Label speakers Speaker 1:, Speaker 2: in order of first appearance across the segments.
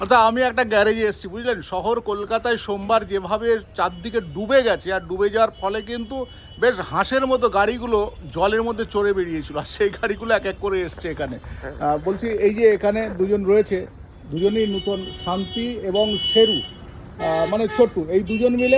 Speaker 1: অর্থাৎ আমি একটা গ্যারেজে এসেছি, বুঝলেন, শহর কলকাতায় সোমবার যেভাবে চারদিকে ডুবে গেছে, আর ডুবে যাওয়ার ফলে কিন্তু বেশ হাঁসের মতো গাড়িগুলো জলের মধ্যে চড়ে বেরিয়েছিল, আর সেই গাড়িগুলো এক এক করে এসছে এখানে। বলছি, এই যে এখানে দুজন রয়েছে, দুজনেই নূতন, শান্তি এবং শেরু, মানে ছোট্টু, এই দুজন মিলে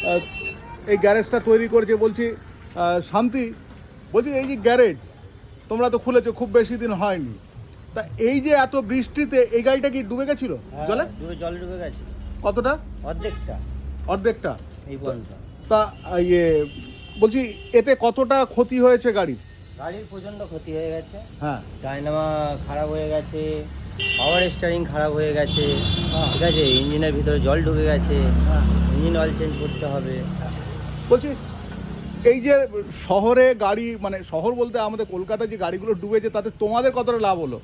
Speaker 1: এই গ্যারেজটা তৈরি করেছে। বলছি, শান্তি, বলছি এই যে গ্যারেজ তোমরা তো খুলেছো, খুব বেশি দিন হয়নি, তা এই যে এত বৃষ্টিতে এই গাড়িটা কি ডুবে গেছিল জলে?
Speaker 2: জলে ডুবে গেছে।
Speaker 1: কতটা?
Speaker 2: অর্ধেকটা।
Speaker 1: অর্ধেকটা?
Speaker 2: এই পর্যন্ত।
Speaker 1: তা ইয়ে বলছি, এতে কতটা ক্ষতি হয়েছে গাড়ির?
Speaker 2: গাড়ির প্রচণ্ড ক্ষতি হয়ে গেছে।
Speaker 1: হ্যাঁ,
Speaker 2: ডায়নামা খারাপ হয়ে গেছে, পাওয়ার স্টিয়ারিং খারাপ হয়ে গেছে,
Speaker 1: হ্যাঁ।
Speaker 2: ঠিক আছে, ইঞ্জিনের ভিতরে জল ঢুকে গেছে,
Speaker 1: হ্যাঁ।
Speaker 2: ইঞ্জিন অয়েল চেঞ্জ করতে হবে।
Speaker 1: বলছি, এই যে শহরে গাড়ি, মানে শহর বলতে আমাদের কলকাতায় যে গাড়িগুলো ডুবেছে, তাতে তোমাদের কতটা লাভ হলো?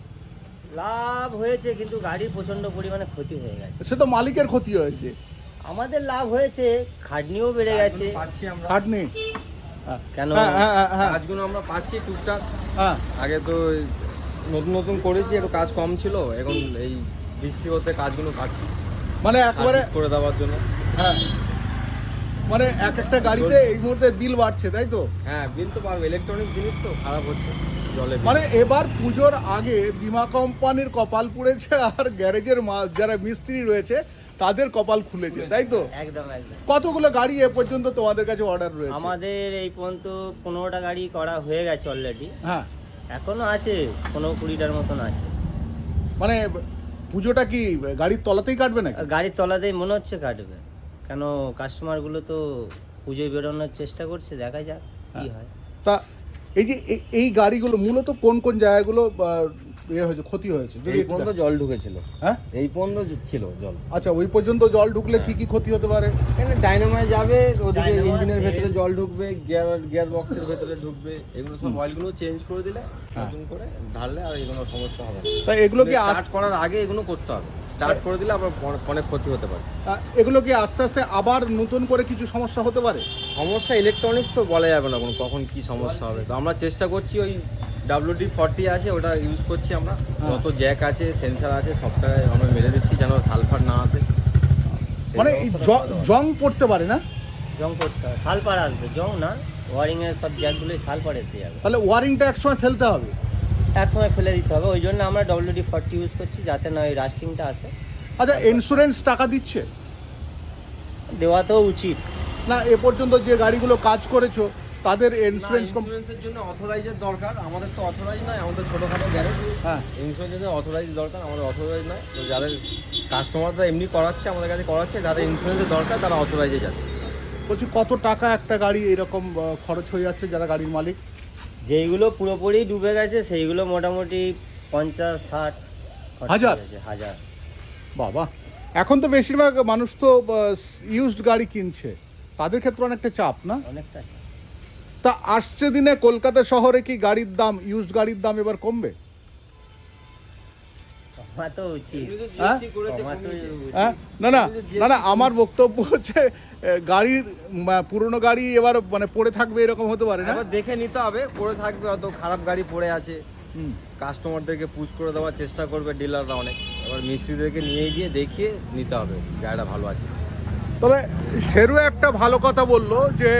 Speaker 2: লাভ হয়েছে, কিন্তু গাড়ির প্রচণ্ড পরিমাণে ক্ষতি হয়ে গেছে।
Speaker 1: সে তো মালিকের ক্ষতি হয়েছে।
Speaker 2: আমাদের লাভ হয়েছে, খাটনিও বেড়ে গেছে।
Speaker 3: পাচ্ছি আমরা,
Speaker 1: খাটনি
Speaker 2: কেন?
Speaker 3: কাজগুলো আমরা পাচ্ছি টুকটাক।
Speaker 1: হ্যাঁ,
Speaker 3: আগে তো নতুন নতুন করেছি, একটু কাজ কম ছিল, এখন এই বৃষ্টি হতে কাজগুলো পাচ্ছি
Speaker 1: মানে একবারে
Speaker 3: সার্ভিস করে দেওয়ার জন্য।
Speaker 1: হ্যাঁ, মানে এক একটা গাড়িতে এই মুহূর্তে বিল বাড়ছে, তাই তো?
Speaker 3: হ্যাঁ, বিল তো পারবে, ইলেকট্রনিক জিনিস তো খারাপ হচ্ছে জলে।
Speaker 1: মানে এবার পুজোর আগে বিমা কোম্পানির কপাল পুড়েছে, আর গ্যারেজের যারা মিস্ত্রি রয়েছে তাদের কপাল খুলেছে, তাই তো?
Speaker 2: একদম একদম।
Speaker 1: কতগুলো গাড়ি এ পর্যন্ত তোমাদের কাছে অর্ডার রয়েছে?
Speaker 2: আমাদের এই পর্যন্ত 15টা গাড়ি করা হয়ে গেছে অলরেডি।
Speaker 1: হ্যাঁ,
Speaker 2: এখনো আছে 15-20টার মতন আছে।
Speaker 1: মানে পুজোটা কি গাড়ির তলাতেই কাটবে নাকি?
Speaker 2: গাড়ির তলাতেই মনে হচ্ছে কাটবে, কেন কাস্টমারগুলো তো পুজোয় বেরোনোর চেষ্টা করছে, দেখা যাক কি হয়।
Speaker 1: তা এই যে এই গাড়িগুলো মূলত কোন কোন জায়গাগুলো ইয়ে হয়েছে, ক্ষতি হয়েছে যদি
Speaker 3: এই
Speaker 1: একটু
Speaker 3: পর্যন্ত জল ঢুকেছিল।
Speaker 1: হ্যাঁ,
Speaker 3: এই পর্যন্ত ছিল জল।
Speaker 1: আচ্ছা, ওই পর্যন্ত জল ঢুকলে কি কি ক্ষতি হতে পারে?
Speaker 3: এখানে ডাইনামায় যাবে, ওদিকে
Speaker 2: ডায়নামা
Speaker 3: ইঞ্জিনের
Speaker 2: আছে।
Speaker 3: ভেতরে জল ঢুকবে, গিয়ার বক্সের ভেতরে ঢুকবে, এগুলো সব অয়েলগুলো চেঞ্জ করে দিলে, নতুন করে ঢাললে আর এগুলো সমস্যা হবে না।
Speaker 1: তা এগুলো কি
Speaker 3: স্টার্ট করার আগে এগুলো করতে হবে, স্টার্ট করে দিলে আবার অনেক ক্ষতি হতে পারে।
Speaker 1: এগুলো কি আস্তে আস্তে আবার নতুন করে কিছু সমস্যা হতে পারে?
Speaker 3: সমস্যা ইলেকট্রনিক্স তো বলা যাবে না কখন কি সমস্যা হবে, তো আমরা চেষ্টা করছি ওই WD-40 আছে, ওটা ইউজ করছি আমরা। যত জ্যাক আছে, সেন্সার আছে, সবটাই আমরা মেরে দিচ্ছি যেন সালফার না আসে।
Speaker 1: মানে এই জং পড়তে পারে না?
Speaker 2: জং করতে হবে, সালপার আসবে, জং না, ওয়ারিংয়ের সব জ্যাকগুলোই সালপার এসে যাবে।
Speaker 1: তাহলে ওয়ারিংটা একসময় ফেলতে হবে।
Speaker 2: এক সময় ফেলে দিতে হবে, ওই জন্য আমরা WD-40 ইউজ করছি, যাতে না ওই রাস্টিংটা আসে।
Speaker 1: আচ্ছা, ইন্স্যুরেন্স টাকা দিচ্ছে?
Speaker 2: দেওয়া তো উচিত।
Speaker 1: না, এ পর্যন্ত যে গাড়িগুলো কাজ করেছো তাদের ইন্স্যুরেন্স
Speaker 3: ইন্স্যুরেন্সের জন্য অথরাইজের দরকার, আমাদের তো অথরাইজ নয়, আমাদের ছোটোখাটো গ্যারেজ।
Speaker 1: হ্যাঁ,
Speaker 3: ইন্স্যুরেন্সের জন্য অথরাইজ দরকার, আমাদের অথরাইজ নয়। তো যাদের কাস্টমাররা এমনি করাচ্ছে, আমাদের কাছে করাচ্ছে, যাদের ইন্স্যুরেন্সের দরকার তারা অথরাইজে যাচ্ছে।
Speaker 1: বলছি, কত টাকা একটা গাড়ি এরকম খরচ হয়ে যাচ্ছে যারা গাড়ির মালিক?
Speaker 2: যেইগুলো পুরোপুরি ডুবে গেছে সেইগুলো মোটামুটি 50-60
Speaker 1: হাজার?
Speaker 2: হাজার।
Speaker 1: বাবা, এখন তো বেশিরভাগ মানুষ তো ইউজড গাড়ি কিনছে, তাদের ক্ষেত্রে অনেকটা চাপ না?
Speaker 2: অনেকটা আছে।
Speaker 1: তা আসছে দিনে কলকাতা শহরে কি গাড়ির দাম, ইউজড গাড়ির দাম এবার কমবে?
Speaker 2: কমা তো উচিত।
Speaker 1: হ্যাঁ?
Speaker 2: কমা তো উচিত।
Speaker 1: হ্যাঁ, না না না না, আমার বক্তব্য হচ্ছে গাড়ির পুরনো গাড়ি এবার মানে পড়ে থাকবে এরকম হতে পারে না?
Speaker 3: এবার দেখে নিতে হবে, পড়ে থাকবে, অত খারাপ গাড়ি পড়ে আছে,
Speaker 1: হুম।
Speaker 3: কাস্টমারদেরকে পুশ করে দেওয়ার চেষ্টা করবে ডিলাররা অনেক। এবার মিস্ত্রিদেরকে নিয়ে গিয়ে দেখিয়ে নিতে হবে গাড়িটা ভালো আছে।
Speaker 1: তবে শেরু একটা ভালো কথা বললো যে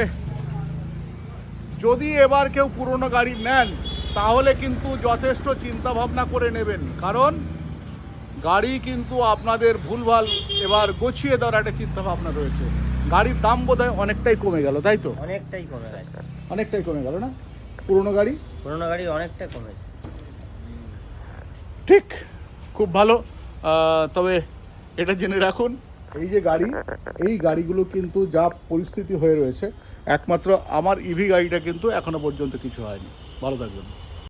Speaker 1: যদি এবার কেউ পুরনো গাড়ি নেন তাহলে কিন্তু যথেষ্ট চিন্তা ভাবনা করে নেবেন, কারণ গাড়ি কিন্তু আপনাদের ভুলভাল এবার গোছিয়ে দেওয়ার একটা চিন্তা ভাবনা রয়েছে। গাড়ির দাম বোধহয় অনেকটাই কমে গেল, তাই তো?
Speaker 2: অনেকটাই কমে গেছে,
Speaker 1: অনেকটাই কমে গেল না পুরনো গাড়ি?
Speaker 2: পুরোনো গাড়ি অনেকটা কমেছে।
Speaker 1: ঠিক, খুব ভালো। তবে এটা জেনে রাখুন, এই যে গাড়ি, এই গাড়িগুলো কিন্তু যা পরিস্থিতি হয়ে রয়েছে, একমাত্র আমার ইভি গাড়িটা কিন্তু এখনো পর্যন্ত কিছু হয়নি। ভালো থাকবেন।